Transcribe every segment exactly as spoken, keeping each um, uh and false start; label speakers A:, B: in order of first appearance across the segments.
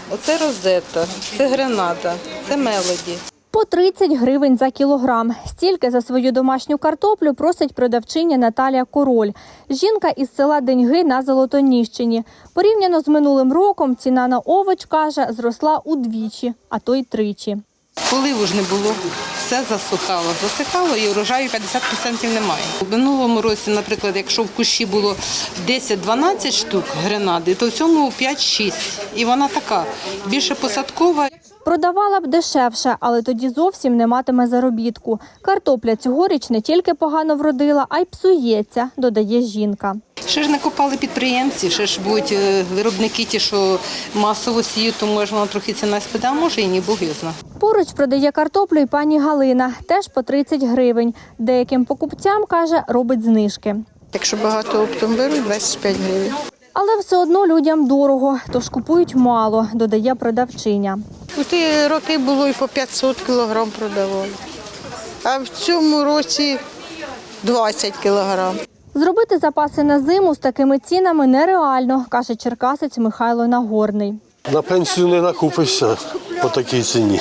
A: Оце розета, це грената, це мелоді.
B: По тридцять гривень за кілограм. Стільки за свою домашню картоплю просить продавчиня Наталія Король. Жінка із села Деньги на Золотоніщині. Порівняно з минулим роком ціна на овоч, каже, зросла удвічі, а то й тричі.
A: Поливу ж не було, все засухало. Засихало і урожаю п'ятдесят відсотків немає. У минулому році, наприклад, якщо в кущі було десять-дванадцять штук гренади, то в цьому п'ять-шість. І вона така, більше посадкова.
B: Продавала б дешевше, але тоді зовсім не матиме заробітку. Картопля цьогоріч не тільки погано вродила, а й псується, додає жінка.
A: Ще ж не копали підприємці, ще ж будуть виробники ті, що масово сіють, то може вона трохи ціна спаде, а може і ні, Бог його знає.
B: Поруч продає картоплю і пані Галина, теж по тридцять гривень. Деяким покупцям, каже, робить знижки.
C: Якщо багато оптом беруть, двадцять п'ять гривень.
B: Але все одно людям дорого, тож купують мало, додає продавчиня.
C: У ті роки було і по п'ятсот кілограм продавали, а в цьому році двадцять кілограм.
B: Зробити запаси на зиму з такими цінами нереально, каже черкасець Михайло Нагорний.
D: На пенсію не накупишся по такій ціні.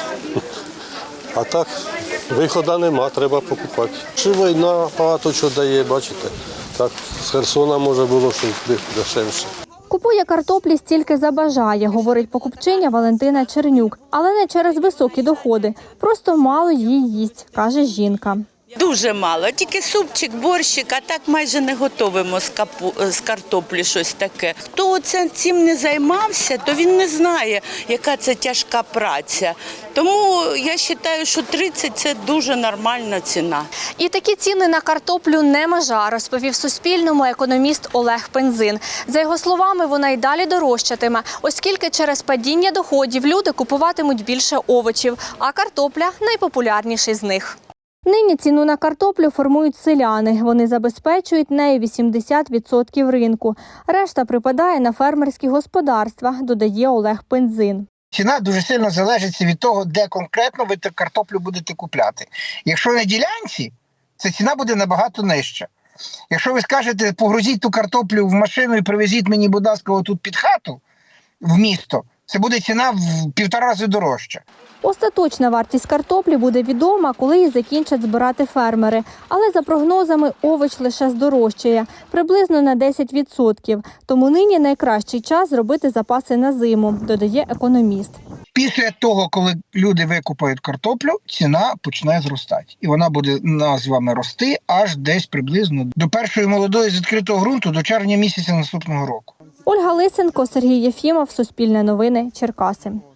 D: А так, виходу нема, треба покупати. Чи війна багато чого дає, бачите. Так, з Херсона може було щось дешевше.
B: Купує картоплі стільки забажає, говорить покупчиня Валентина Чернюк. Але не через високі доходи. Просто мало її їсть, каже жінка.
E: Дуже мало, тільки супчик, борщик, а так майже не готуємо з, капу, з картоплі щось таке. Хто цим не займався, то він не знає, яка це тяжка праця. Тому я вважаю, що тридцять – це дуже нормальна ціна.
B: І такі ціни на картоплю не межа, розповів Суспільному економіст Олег Пензин. За його словами, вона й далі дорожчатиме, оскільки через падіння доходів люди купуватимуть більше овочів, а картопля – найпопулярніший з них. Нині ціну на картоплю формують селяни. Вони забезпечують нею вісімдесят відсотків ринку. Решта припадає на фермерські господарства, додає Олег Пензин.
F: Ціна дуже сильно залежить від того, де конкретно ви картоплю будете купляти. Якщо на ділянці, ця ціна буде набагато нижча. Якщо ви скажете, погрузіть ту картоплю в машину і привезіть мені, будь ласка, отут під хату, в місто, це буде ціна в півтора рази дорожча.
B: Остаточна вартість картоплі буде відома, коли її закінчать збирати фермери. Але за прогнозами овоч лише здорожчає – приблизно на десять відсотків. Тому нині найкращий час зробити запаси на зиму, додає економіст.
F: Після того, коли люди викупають картоплю, ціна почне зростати. І вона буде нас з вами рости аж десь приблизно до першої молодої з відкритого ґрунту, до червня місяця наступного року.
B: Ольга Лисенко, Сергій Єфімов, Суспільне новини, Черкаси.